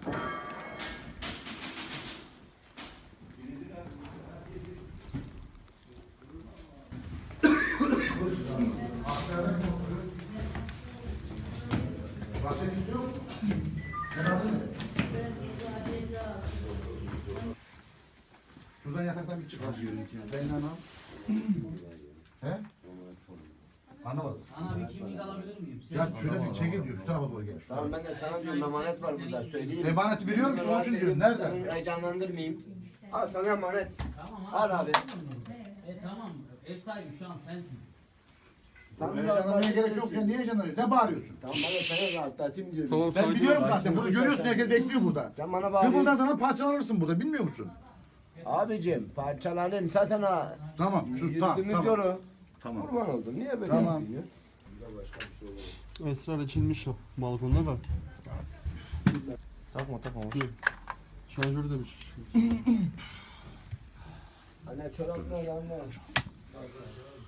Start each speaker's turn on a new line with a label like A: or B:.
A: Başka kimse yok. Ben aldım mı? Şuradan yataktan bir çık. Ben anam. He? Anlamadım.
B: Ana bir kimlik alabilir miyim?
A: Ya şöyle bir çekil diyor. Şu tarafa doğru gel.
C: Tamam ben de sana diyorum emanet var burada söyleyeyim.
A: Emaneti biliyor musun? Onun için diyorum. Nerede?
C: Seni heyecanlandırmayayım. Al sana emanet.
B: Tamam
C: Al abi.
B: Tamam. Ev sahibi şu an sensin.
C: Sen
A: Heyecanlanmaya gerek yok ya. Niye heyecanlanıyorsun? Ne bağırıyorsun?
C: Tamam ben de sana rahatlatayım diyorum.
D: Tamam,
A: Ben
D: sakin
A: biliyorum
D: ol.
A: zaten. Bunu görüyorsun. Herkes bekliyor burada.
C: Sen bana
A: Kıbıldan
C: bağırıyorsun.
A: sana parçalanırsın burada. Bilmiyor musun?
C: Abicim parçalanayım zaten ha.
A: Tamam. Sus. Tamam.
C: Yürüdüğümüz
A: Tamam.
C: yolu.
A: Tamam.
C: Kurban oldum. Niye böyle
A: Tamam.
C: yapıyorsun?
D: Esrar açılmış o balkonda da.
C: Takma takma.
D: Şarjör demiş.
C: Anne çoraplar anne.